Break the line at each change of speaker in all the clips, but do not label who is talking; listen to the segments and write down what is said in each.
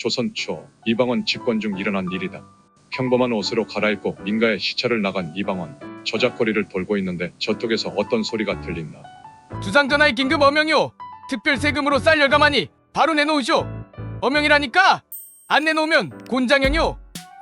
조선 초 이방원 집권 중 일어난 일이다. 평범한 옷으로 갈아입고 민가에 시찰을 나간 이방원. 저작거리를 돌고 있는데 저쪽에서 어떤 소리가 들린다.
주상전하의 긴급 어명이오. 특별 세금으로 쌀 열감하니 바로 내놓으시오. 어명이라니까 안 내놓으면 곤장형이오.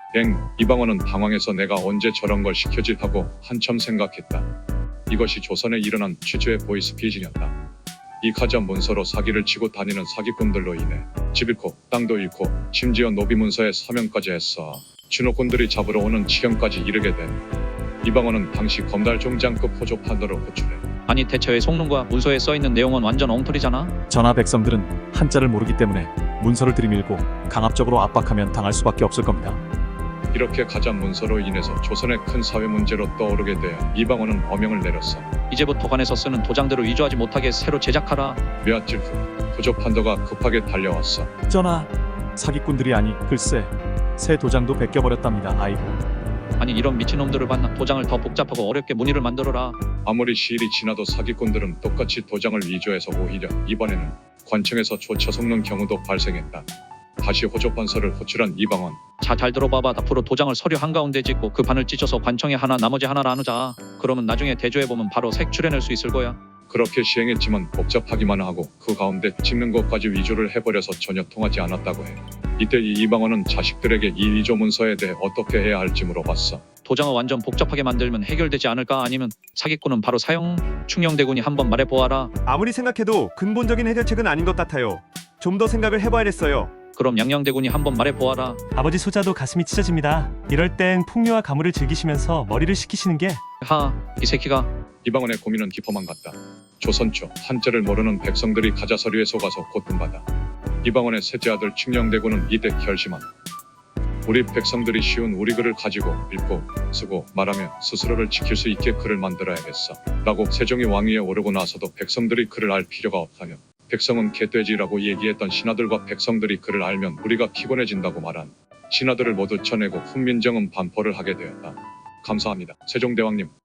이방원은 당황해서 내가 언제 저런 걸 시켜지 하고 한참 생각했다. 이것이 조선에 일어난 취주의 보이스피싱이었다. 이 가짜 문서로 사기를 치고 다니는 사기꾼들로 인해 집 잃고 땅도 잃고 심지어 노비 문서에 서명까지 했어. 주노꾼들이 잡으러 오는 지경까지 이르게 된 이방원은 당시 검달 종장급 호조 판도를 호출해.
아니 대체 왜 속는거야? 문서에 써있는 내용은 완전 엉터리잖아.
전하 백성들은 한자를 모르기 때문에 문서를 들이밀고 강압적으로 압박하면 당할 수밖에 없을 겁니다.
이렇게 가짜 문서로 인해서 조선의 큰 사회 문제로 떠오르게 돼 이방원은 어명을 내렸어.
이제부터 관에서 쓰는 도장들을 위조하지 못하게 새로 제작하라.
며칠 후 호조 판도가 급하게 달려왔어.
전하, 사기꾼들이 아니 글쎄 새 도장도 베껴버렸답니다. 아이고.
아니 이런 미친놈들을 봤나. 도장을 더 복잡하고 어렵게 무늬를 만들어라.
아무리 시일이 지나도 사기꾼들은 똑같이 도장을 위조해서 오히려 이번에는 관청에서 쫓아 속는 경우도 발생했다. 다시 호조판서를 호출한 이방원.
자, 잘 들어봐봐. 앞으로 도장을 서류 한가운데 찍고 그 반을 찢어서 관청에 하나 나머지 하나를 나누자. 그러면 나중에 대조해보면 바로 색 출해낼 수 있을 거야.
그렇게 시행했지만 복잡하기만 하고 그 가운데 찍는 것까지 위조를 해버려서 전혀 통하지 않았다고 해. 이때 이 이방원은 자식들에게 이 위조 문서에 대해 어떻게 해야 할지 물어봤어.
도장을 완전 복잡하게 만들면 해결되지 않을까? 아니면 사기꾼은 바로 사형? 충녕대군이 한번 말해보아라.
아무리 생각해도 근본적인 해결책은 아닌 것 같아요. 좀 더 생각을 해봐야겠어요.
그럼 양양대군이 한번 말해보아라.
아버지 소자도 가슴이 찢어집니다. 이럴 땐 풍류와 가물을 즐기시면서 머리를 식히시는 게
이 새끼가.
이방원의 고민은 깊어만 갔다. 조선 초 한자를 모르는 백성들이 가짜 서류에 속아서 고통받아. 이방원의 셋째 아들 충녕대군은 이때 결심한다. 우리 백성들이 쉬운 우리 글을 가지고 읽고 쓰고 말하며 스스로를 지킬 수 있게 글을 만들어야겠어 라고 세종이 왕위에 오르고 나서도 백성들이 글을 알 필요가 없다며 백성은 개돼지라고 얘기했던 신하들과 백성들이 글을 알면 우리가 피곤해진다고 말한 신하들을 모두 쳐내고 훈민정음 반포를 하게 되었다. 감사합니다. 세종대왕님.